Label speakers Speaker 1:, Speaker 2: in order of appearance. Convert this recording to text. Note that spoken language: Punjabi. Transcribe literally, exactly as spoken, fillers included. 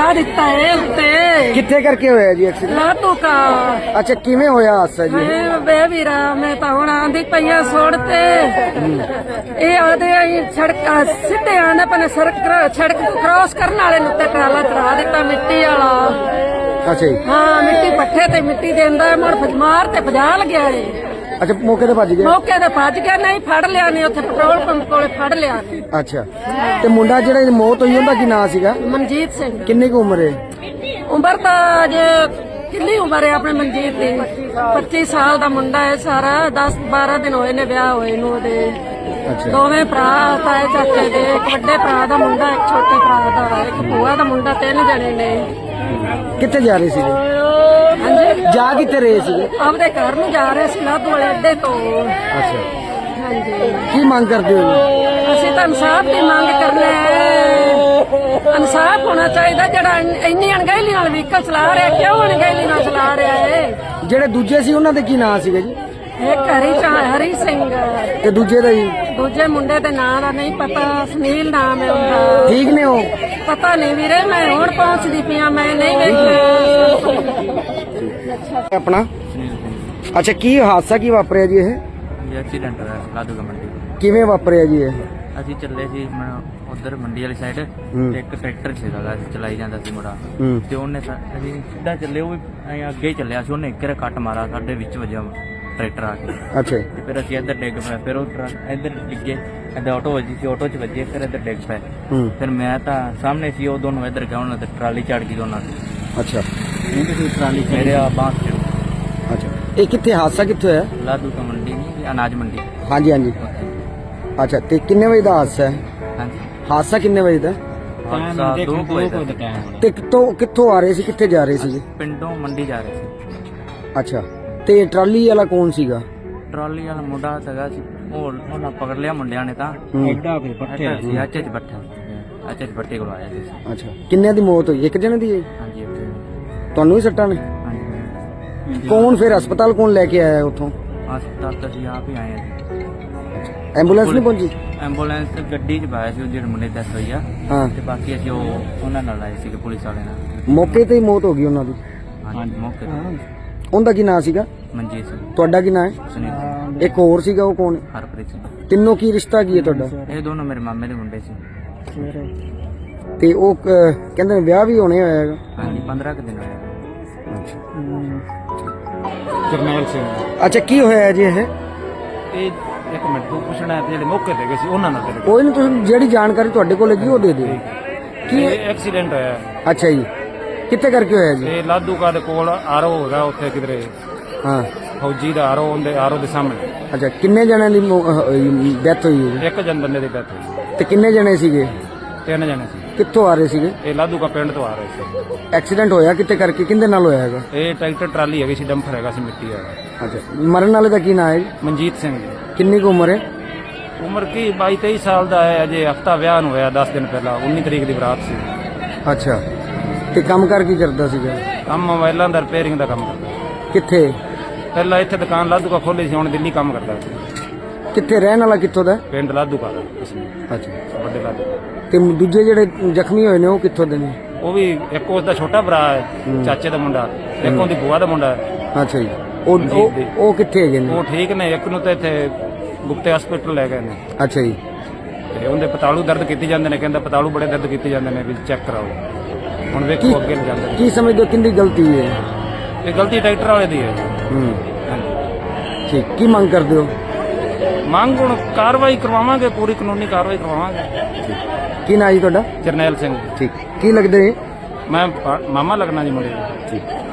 Speaker 1: ਚੜਾ ਦਿੱਤਾ ਹੈ ਉੱਤੇ।
Speaker 2: ਕਿੱਥੇ ਕਰਕੇ ਹੋਇਆ ਜੀ ਐਕਸੀਡੈਂਟ?
Speaker 1: ਲਾਤੂ ਕਾ।
Speaker 2: ਅੱਛਾ, ਕਿਵੇਂ ਹੋਇਆ ਹਾਦਸਾ ਜੀ?
Speaker 1: ਮੈਂ ਬੇ ਵੀਰਾ ਮੈਂ ਤਾਂ ਹੁਣ ਆਂਦੀ ਪਈਆਂ ਸੋੜ ਤੇ ਇਹ ਆਦੇ ਆਈ ਸੜਕਾਂ ਸਿੱਧੇ ਆਂਦਾ ਪਨੇ ਸੜਕ ਸੜਕ ਤੋਂ ਕ੍ਰਾਸ ਕਰਨ ਵਾਲੇ ਨੂੰ ਤੇ ਟਰਾਲਾ ਚੜਾ ਦਿੱਤਾ ਮਿੱਟੀ ਵਾਲਾ।
Speaker 2: ਅੱਛਾ ਜੀ।
Speaker 1: ਹਾਂ ਮਿੱਟੀ ਪੱਠੇ ਤੇ ਮਿੱਟੀ ਦਿੰਦਾ ਮੁੜ ਫਜਮਾਰ ਤੇ ਭਜਾ ਲਗਿਆ ਏ।
Speaker 2: ਅੱਛਾ, ਮੌਕੇ ਤੇ ਭੱਜ ਗਿਆ?
Speaker 1: ਮੌਕੇ ਤੇ ਭੱਜ ਗਿਆ, ਨਹੀਂ ਫੜ ਲਿਆ ਨੇ ਉੱਥੇ ਪੈਟਰੋਲ ਪੰਪ ਕੋਲੇ ਫੜ ਲਿਆ ਨੇ।
Speaker 2: ਅੱਛਾ, ਤੇ ਮੁੰਡਾ ਜਿਹੜਾ ਦੀ ਮੌਤ ਹੋਈ ਉਹਦਾ ਕੀ ਨਾਂ ਸੀਗਾ?
Speaker 1: ਮਨਜੀਤ ਸਿੰਘ।
Speaker 2: ਕਿੰਨੀ ਕੁ ਉਮਰ ਹੈ?
Speaker 1: ਉਮਰ ਤਾਂ ਜੇ ਕਿੰਨੀ ਉਮਰ ਹੈ ਆਪਣੇ ਮਨਜੀਤ ਦੀ? ਪੱਚੀ ਸਾਲ ਦਾ ਮੁੰਡਾ ਹੈ ਸਾਰਾ। ਦਸ ਬਾਰਾਂ ਦਿਨ ਹੋਏ ਨੇ ਵਿਆਹ ਹੋਏ ਨੂੰ ਉਹਦੇ।
Speaker 2: ਅੱਛਾ,
Speaker 1: ਦੋਵੇਂ ਭਰਾ ਤਾਏ ਚਾਚੇ ਦੇ, ਇੱਕ ਵੱਡੇ ਭਰਾ ਦਾ ਮੁੰਡਾ, ਇੱਕ ਛੋਟੇ ਭਰਾ ਦਾ, ਇੱਕ ਭੂਆ ਦਾ ਮੁੰਡਾ, ਤਿੰਨ ਜਣੇ ਨੇ।
Speaker 2: ਕਿੱਥੇ ਜਾ ਰਹੇ ਸੀਗੇ?
Speaker 1: ਹਾਂਜੀ,
Speaker 2: ਜਾ ਕਿੱਥੇ ਰਹੇ ਸੀਗੇ?
Speaker 1: ਆਪਦੇ ਘਰ ਨੂੰ ਜਾ ਰਹੇ ਸੀ ਲਾਧੂ ਵਾਲੇ ਅੱਡੇ ਤੋਂ।
Speaker 2: ਅੱਛਾ,
Speaker 1: ਹਾਂਜੀ,
Speaker 2: ਕੀ ਮੰਗ ਕਰਦੇ ਹੋ ਜੀ?
Speaker 1: ਅਸੀਂ ਤਾਂ ਇਨਸਾਫ ਦੀ ਮੰਗ ਕਰਨਾ ਹੈ। ਇਨਸਾਫ ਹੋਣਾ ਚਾਹੀਦਾ। ਜਿਹੜਾ ਇੰਨੀ ਅਣਗਹਿਲੀ ਨਾਲ ਵਹੀਕਲ ਚਲਾ ਰਿਹਾ, ਕਿਉਂ ਅਣਗਹਿਲੀ ਨਾਲ ਚਲਾ ਰਿਹਾ ਹੈ?
Speaker 2: ਜਿਹੜੇ ਦੂਜੇ ਸੀ ਉਹਨਾਂ ਦੇ ਕੀ ਨਾਂ ਸੀਗੇ ਜੀ?
Speaker 1: ਇੱਕ ਹਰੀ ਚਾ ਹਰੀ ਸਿੰਘ
Speaker 2: ਤੇ ਦੂਜੇ ਦਾ ਜੀ?
Speaker 1: ਦੂਜੇ ਮੁੰਡੇ ਦੇ ਨਾਂ ਦਾ ਨਹੀਂ ਪਤਾ, ਸੁਨੀਲ ਨਾਮ ਹੈ ਉਹਦਾ।
Speaker 2: ਠੀਕ ਨੇ ਉਹ?
Speaker 1: ਪਤਾ ਨਹੀਂ ਵੀਰੇ, ਮੈਂ ਹੁਣ ਪਹੁੰਚਦੀ ਪਿਆ, ਮੈਂ ਨਹੀਂ ਵੇਖਿਆ।
Speaker 2: ਆਪਣਾ? ਅੱਛਾ, ਕੀ ਹਾਦਸਾ ਕੀ ਵਾਪਰਿਆ ਜੀ? ਇਹ
Speaker 3: ਐਕਸੀਡੈਂਟ ਹੋਇਆ ਲਾਧੂ ਮੰਡੀ।
Speaker 2: ਕਿਵੇਂ ਵਾਪਰਿਆ ਜੀ ਇਹ?
Speaker 3: ਅਸੀਂ ਚੱਲੇ ਸੀ ਉਧਰ ਮੰਡੀ ਵਾਲੀ ਸਾਈਡ ਤੇ ਇੱਕ ਟਰੈਕਟਰ ਸੀਗਾ ਅਸੀਂ ਚਲਾਈ ਜਾਂਦਾ ਸੀ ਮੁੰਡਾ
Speaker 2: ਹੂੰ।
Speaker 3: ਤੇ ਉਹਨੇ ਸਾ- ਅਸੀਂ ਸਿੱਧਾ ਚੱਲੇ, ਉਹ ਵੀ ਐਂ ਅੱਗੇ ਹੀ ਚੱਲਿਆ ਸੀ, ਉਹਨੇ ਇੱਕ ਰ ਕੱਟ ਮਾਰਾ ਸਾਡੇ ਵਿੱਚ ਵੱਜਿਆ ਟਰੈਕਟਰ ਆ ਕੇ।
Speaker 2: ਅੱਛਾ ਜੀ।
Speaker 3: ਤੇ ਫਿਰ ਅਸੀਂ ਇੱਧਰ ਡਿੱਗ ਪਏ, ਫਿਰ ਉਹ ਟਰੱਕ ਇੱਧਰ ਡਿੱਗੇ, ਇੱਧਰ ਆਟੋ ਵੱਜੀ ਸੀ, ਆਟੋ 'ਚ ਵੱਜੇ, ਫਿਰ ਇੱਧਰ ਡਿੱਗ ਪਏ।
Speaker 2: ਹੂੰ।
Speaker 3: ਫਿਰ ਮੈਂ ਤਾਂ ਸਾਹਮਣੇ ਸੀ, ਉਹ ਦੋਨੋਂ ਇੱਧਰ ਗਏ, ਉਹਨਾਂ ਤੇ ਟਰਾਲੀ ਚੜ ਗਈ ਦੋਨਾਂ ਦੀ।
Speaker 2: ਅੱਛਾ,
Speaker 3: ਟਰਾਲੀ ਮੇਰੇ ਆ ਬਾਂਹ ਤੇ।
Speaker 2: ਅੱਛਾ, ਇਹ ਕਿੱਥੇ ਹਾਦਸਾ ਕਿੱਥੇ ਹੋਇਆ?
Speaker 3: ਲਾਧੂ ਤੋਂ ਮੰਡੀ ਨਹੀਂ, ਅਨਾਜ ਮੰਡੀ।
Speaker 2: ਹਾਂਜੀ ਹਾਂਜੀ। ਅੱਛਾ, ਤੇ ਕਿੰਨੇ ਵਜੇ ਦਾ ਹਾਦਸਾ ਹੈ?
Speaker 3: ਹਾਂਜੀ,
Speaker 2: ਹਾਦਸਾ ਕਿੰਨੇ ਵਜੇ ਦਾ?
Speaker 3: ਹਾਦਸਾ ਦੋ ਕੁ ਵਜੇ ਦਾ।
Speaker 2: ਤੇ ਕਿੱਥੋਂ ਕਿੱਥੋਂ ਆ ਰਹੇ ਸੀ, ਕਿੱਥੇ ਜਾ ਰਹੇ ਸੀਗੇ?
Speaker 3: ਪਿੰਡੋਂ ਮੰਡੀ ਜਾ ਰਹੇ ਸੀ।
Speaker 2: ਅੱਛਾ, ਤੇ ਟਰਾਲੀ ਵਾਲਾ ਕੌਣ ਸੀਗਾ?
Speaker 3: ਟਰਾਲੀ ਵਾਲਾ ਮੁੰਡਾ ਸੀਗਾ ਸੀ, ਉਹ ਉਹਨਾਂ ਪਕੜ ਲਿਆ ਮੁੰਡਿਆਂ ਨੇ ਤਾਂ।
Speaker 2: ਹੂੰ।
Speaker 3: ਐਡਾ ਕੋਈ ਪੱਠੇ ਸੀ, ਅੱਛੇ ਚ ਪੱਠੇ ਅੱਛੇ ਚ ਪੱਠੇ ਕੋਲ ਆਇਆ ਸੀ।
Speaker 2: ਅੱਛਾ, ਕਿੰਨਿਆਂ ਦੀ ਮੌਤ ਹੋਈ? ਇੱਕ ਜਣੇ ਦੀ ਹੈ?
Speaker 3: ਹਾਂਜੀ ਇੱਥੇ।
Speaker 2: ਤੁਹਾਨੂੰ ਵੀ ਸੱਟਾਂ ਨੇ?
Speaker 3: ਹਾਂਜੀ,
Speaker 2: ਕੌਣ ਫਿਰ ਹਸਪਤਾਲ ਕੌਣ ਲੈ ਕੇ ਆਇਆ ਉੱਥੋਂ?
Speaker 3: ਹਸਪਤਾਲ ਤਾਂ ਅਸੀਂ ਆਪ ਹੀ ਆਏ ਹਾਂ।
Speaker 2: ਐਂਬੂਲੈਂਸ ਨਹੀਂ ਪਹੁੰਚੀ?
Speaker 3: ਐਂਬੂਲੈਂਸ ਗੱਡੀ ਚ ਪਾਇਆ ਸੀ ਉਹ ਜਿਹੜੇ ਮੁੰਡੇ ਦੀ ਡੈਥ ਹੋਈ ਆ।
Speaker 2: ਹਾਂ।
Speaker 3: ਤੇ ਬਾਕੀ ਅਸੀਂ ਉਹ ਉਹਨਾਂ ਨਾਲ ਆਏ ਸੀਗੇ, ਪੁਲਿਸ ਵਾਲੇ ਨਾਲ।
Speaker 2: ਮੌਕੇ ਤੇ ਹੀ ਮੌਤ ਹੋ ਗਈ ਉਹਨਾਂ ਦੀ?
Speaker 3: ਹਾਂਜੀ, ਮੌਕੇ ਤੇ।
Speaker 2: ਉਹਦਾ ਕੀ ਨਾਂ ਸੀਗਾ?
Speaker 3: ਮਨਜੀਤ ਸਿੰਘ,
Speaker 2: ਤੁਹਾਡਾ ਕੀ ਨਾਂ ਹੈ?
Speaker 3: ਸੁਨੀਲ,
Speaker 2: ਇੱਕ ਹੋਰ ਸੀਗਾ, ਉਹ ਕੌਣ?
Speaker 3: ਹਰਪ੍ਰੀਤ ਸਿੰਘ।
Speaker 2: ਤਿੰਨੋਂ ਕੀ ਰਿਸ਼ਤਾ ਕੀ ਹੈ ਤੁਹਾਡਾ?
Speaker 3: ਇਹ ਦੋਨੋਂ ਮੇਰੇ ਮਾਮੇ ਦੇ ਮੁੰਡੇ ਸੀ।
Speaker 2: ਤੇ ਉਹ ਅਹ, ਕਹਿੰਦੇ ਨੇ ਵਿਆਹ ਵੀ ਹੋਣੇ ਹੋਇਆ ਹੈਗਾ?
Speaker 3: ਹਾਂਜੀ, ਪੰਦਰਾਂ ਕੁ ਦਿਨ ਹੋਏ।
Speaker 4: ਜਰਨੈਲ ਸਿੰਘ।
Speaker 2: ਅੱਛਾ, ਕੀ ਹੋਇਆ ਜੀ ਇਹ?
Speaker 4: ਇਹ ਇੱਕ ਮਿੰਟ ਤੋਂ ਪੁੱਛਣਾ ਤੇ ਜਿਹੜੇ ਮੌਕੇ ਤੇ ਗਏ ਸੀ ਉਹਨਾਂ ਨਾਲ ਤੇਰੇ
Speaker 2: ਕੋਈ ਨਹੀਂ, ਤੁਸੀਂ ਜਿਹੜੀ ਜਾਣਕਾਰੀ ਤੁਹਾਡੇ ਕੋਲ ਹੈਗੀ ਉਹ ਦੇ ਦਿਓ।
Speaker 4: ਕੀ ਐਕਸੀਡੈਂਟ ਹੋਇਆ?
Speaker 2: ਅੱਛਾ ਜੀ, ਕਿੱਥੇ ਕਰਕੇ ਹੋਇਆ ਜੀ?
Speaker 4: ਇਹ ਲਾਧੂਕਾ ਦੇ ਕੋਲ ਆਰੋ ਹੈਗਾ, ਉੱਥੇ ਕਿਧਰੇ
Speaker 2: ਹਾਂ।
Speaker 4: ਫੌਜੀ ਦਾ ਆਰੋ, ਉਹਦੇ ਆਰੋ ਦੇ ਸਾਹਮਣੇ।
Speaker 2: ਅੱਛਾ, ਕਿੰਨੇ ਜਣਿਆਂ ਦੀ ਡੈਥ ਹੋਈ ਹੈ ਜੀ?
Speaker 4: ਇੱਕ ਜਨ ਬੰਦੇ ਦੀ ਡੈਥ ਹੋਈ।
Speaker 2: ਤੇ ਕਿੰਨੇ ਜਣੇ ਸੀਗੇ?
Speaker 4: ਤਿੰਨ ਜਣੇ ਸੀ।
Speaker 2: ਕਿੱਥੋਂ ਆ ਰਹੇ ਸੀਗੇ?
Speaker 4: ਇਹ ਲਾਧੂਕਾ ਪਿੰਡ ਤੋਂ ਆ ਰਹੇ ਸੀ।
Speaker 2: ਐਕਸੀਡੈਂਟ ਹੋਇਆ ਕਿੱਥੇ ਕਰਕੇ, ਕਿਹਦੇ ਨਾਲ ਹੋਇਆ ਹੈਗਾ?
Speaker 4: ਇਹ ਟਰੈਕਟਰ ਟਰਾਲੀ ਹੈਗੀ ਸੀ, ਡੰਫਰ ਹੈਗਾ ਸੀ ਮਿੱਟੀ ਵਾਲਾ।
Speaker 2: ਅੱਛਾ, ਮਰਨ ਵਾਲੇ ਦਾ ਕੀ ਨਾਂ ਹੈ ਜੀ?
Speaker 4: ਮਨਜੀਤ ਸਿੰਘ ਜੀ।
Speaker 2: ਕਿੰਨੀ ਕੁ ਉਮਰ ਹੈ?
Speaker 4: ਉਮਰ ਕੀ ਬਾਈ ਤੇਈ ਸਾਲ ਦਾ ਹੈ, ਅਜੇ ਹਫਤਾ ਵਿਆਹ ਨੂੰ ਹੋਇਆ, ਦਸ ਦਿਨ ਪਹਿਲਾਂ, ਉੱਨੀ ਤਰੀਕ ਦੀ ਬਰਾਤ ਸੀ।
Speaker 2: ਅੱਛਾ, ਤੇ ਕੰਮ ਕਰ ਕੀ ਕਰਦਾ ਸੀਗਾ?
Speaker 4: ਕੰਮ ਮੋਬਾਈਲਾਂ ਦਾ ਰਿਪੇਅਰਿੰਗ ਦਾ ਕੰਮ ਕਰਦਾ।
Speaker 2: ਕਿੱਥੇ?
Speaker 4: ਪਹਿਲਾਂ ਇੱਥੇ ਦੁਕਾਨ ਲਾਧੂਕਾ ਖੋਲ੍ਹੀ ਸੀ, ਹੁਣ ਦਿੱਲੀ ਕੰਮ ਕਰਦਾ ਸੀ।
Speaker 2: ਕਿੱਥੇ ਰਹਿਣ ਵਾਲਾ ਕਿੱਥੋਂ ਦਾ?
Speaker 4: ਪਿੰਡ ਲਾਧੂਕਾ ਦਾ ਇਸਨੇ,
Speaker 2: ਅੱਛਾ,
Speaker 4: ਵੱਡੇ ਲਾਧੂਕਾ।
Speaker 2: ਤੇ ਦੂਜੇ ਜਿਹੜੇ ਜ਼ਖਮੀ ਹੋਏ ਨੇ ਉਹ ਕਿੱਥੋਂ ਦੇ ਨੇ?
Speaker 4: ਉਹ ਵੀ ਇੱਕ ਉਸ ਦਾ ਛੋਟਾ ਭਰਾ ਹੈ, ਚਾਚੇ ਦਾ ਮੁੰਡਾ, ਇੱਕ ਉਹਦੀ ਭੂਆ ਦਾ ਮੁੰਡਾ ਹੈ।
Speaker 2: ਅੱਛਾ ਜੀ, ਉਹ ਉਹ- ਉਹ ਕਿੱਥੇ ਹੈਗੇ ਨੇ?
Speaker 4: ਉਹ ਠੀਕ ਨੇ, ਇੱਕ ਨੂੰ ਤਾਂ ਇੱਥੇ ਗੁਪਤੇ ਹਸਪੀਟਲ ਲੈ ਗਏ ਨੇ।
Speaker 2: ਅੱਛਾ ਜੀ,
Speaker 4: ਤੇ ਉਹਦੇ ਪਤਾਲੂ ਦਰਦ ਕੀਤੀ ਜਾਂਦੇ ਨੇ, ਕਹਿੰਦਾ ਪਤਾਲੂ ਬੜੇ ਦਰਦ ਕੀਤੇ ਜਾਂਦੇ ਨੇ, ਵੀ ਚੈੱਕ ਕਰਾਓ। ਹੁਣ ਵੇਖੋ ਅੱਗੇ ਲੈ ਜਾਂਦੇ ਨੇ।
Speaker 2: ਕੀ ਸਮਝਦੇ ਹੋ ਕਿੰਦੀ ਗਲਤੀ ਹੈ?
Speaker 4: ਇਹ ਗਲਤੀ ਟਰੈਕਟਰ ਵਾਲੇ ਦੀ ਹੈ।
Speaker 2: ਹੂੰ,
Speaker 4: ਹਾਂਜੀ।
Speaker 2: ਠੀਕ। ਕੀ ਮੰਗ ਕਰਦੇ ਹੋ?
Speaker 4: ਮੰਗ ਹੁਣ ਕਾਰਵਾਈ ਕਰਵਾਵਾਂਗੇ, ਪੂਰੀ ਕਾਨੂੰਨੀ ਕਾਰਵਾਈ ਕਰਵਾਵਾਂਗੇ।
Speaker 2: ਕੀ ਨਾਂ ਜੀ ਤੁਹਾਡਾ?
Speaker 4: ਜਰਨੈਲ ਸਿੰਘ।
Speaker 2: ਠੀਕ। ਕੀ ਲੱਗਦੇ?
Speaker 4: ਮੈਂ ਪਾ- ਮਾਮਾ ਲੱਗਣਾ ਜੀ ਮੁੰਡੇ ਦਾ।
Speaker 2: ਠੀਕ।